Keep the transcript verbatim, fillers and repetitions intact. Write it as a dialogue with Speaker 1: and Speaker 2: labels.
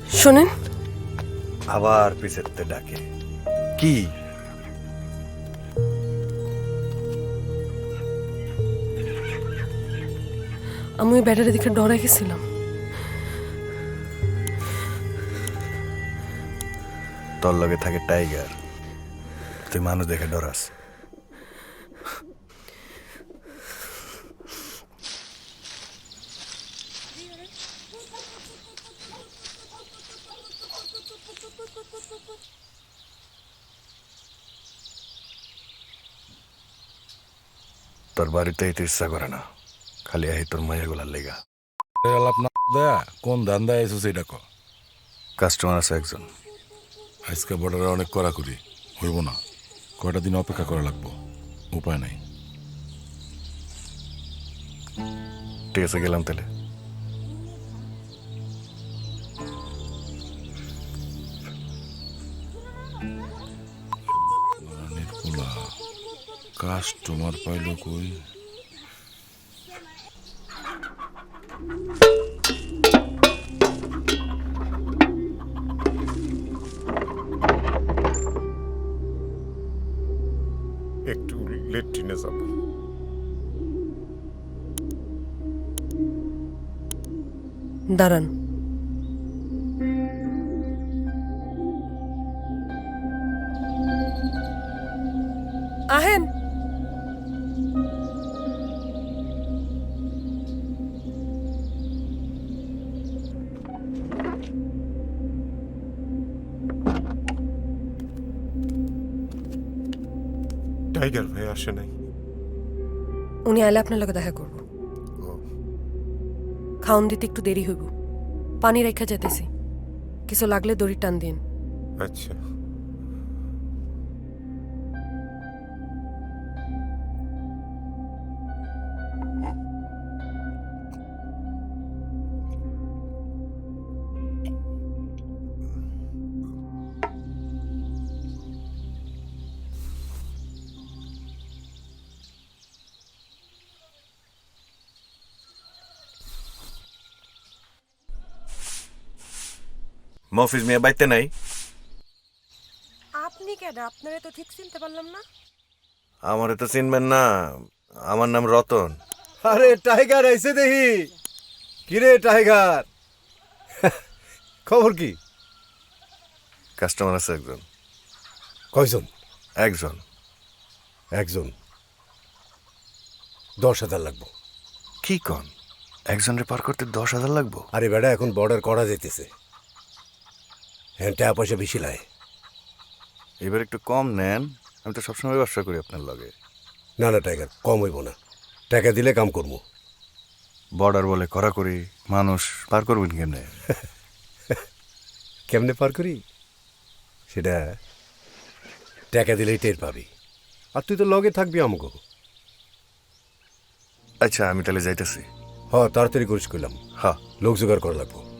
Speaker 1: শোনেন,
Speaker 2: আবার পিছেতে ডাকে কি?
Speaker 1: আমি ওই ব্যাটারি দেখে ডরে গেছিলাম।
Speaker 2: তোর লগে থাকে টাইগার, তুই মানুষ দেখে ডরাস। তোর বাড়িতে তো ইচ্ছা করে না, খালি আহি তোর মাইয়াগুলার লেগা।
Speaker 3: আলাপ না দেয়া কোন ধান্দায় এসেছে সেটা ক।
Speaker 2: কাস্টমার আছে একজন।
Speaker 3: আজকে বর্ডারে অনেক কড়াকড়ি হইব না, কয়টা দিন অপেক্ষা করা লাগবো, উপায় নাই।
Speaker 2: ঠিক আছে, গেলাম তাহলে।
Speaker 3: কাস্টমার পাইল কই?
Speaker 4: একটু লেট্রিনে যাব।
Speaker 1: দাঁড়ান, আহেন।
Speaker 4: টাইগার ভাই আসে নাই।
Speaker 1: উনি আইলে আপনার লগে দেখা করব। খাওন দিতে একটু দেরি হইব, পানি রেখা যেতেছি, কিছু লাগলে দড়ি টান দিন।
Speaker 4: আচ্ছা,
Speaker 2: মফিজ মিয়া বাইতে নাই?
Speaker 1: আপনি কেন? আপনারে তো ঠিক চিনতে পারলাম না।
Speaker 2: আমারে তো চিনবেন না, আমার নাম রতন।
Speaker 5: আরে টাইগার আইছে দেখি। কিরে টাইগার, খবর কি?
Speaker 2: কাস্টমার আছে একজন।
Speaker 5: কয়জন?
Speaker 2: একজন।
Speaker 5: একজন। দশ হাজার লাগবো।
Speaker 2: কি কন? একজনের পার করতে দশ হাজার লাগবো?
Speaker 5: আরে বেটা, এখন বর্ডার করা যাইতেছে, হ্যাঁ টাকা পয়সা বেশি লাগে।
Speaker 2: এবার একটু কম নেন, আমি তো সবসময় ব্যবসা করি আপনার লগে।
Speaker 5: না না টাইগার, কম হইব না, টাকা দিলে কাম করবো।
Speaker 2: বর্ডার বলে করা করি, মানুষ পার করবেন কেমনে?
Speaker 5: কেমনে পার করি সেটা টাকা দিলেই টের পাবি, আর তুই তো লগে থাকবি আমাকে।
Speaker 2: আচ্ছা, আমি তাহলে যাইতেছি।
Speaker 5: হ, তাড়াতাড়ি করিস কইলাম,
Speaker 2: হ্যাঁ।
Speaker 5: লোক জোগাড় করা লাগবো।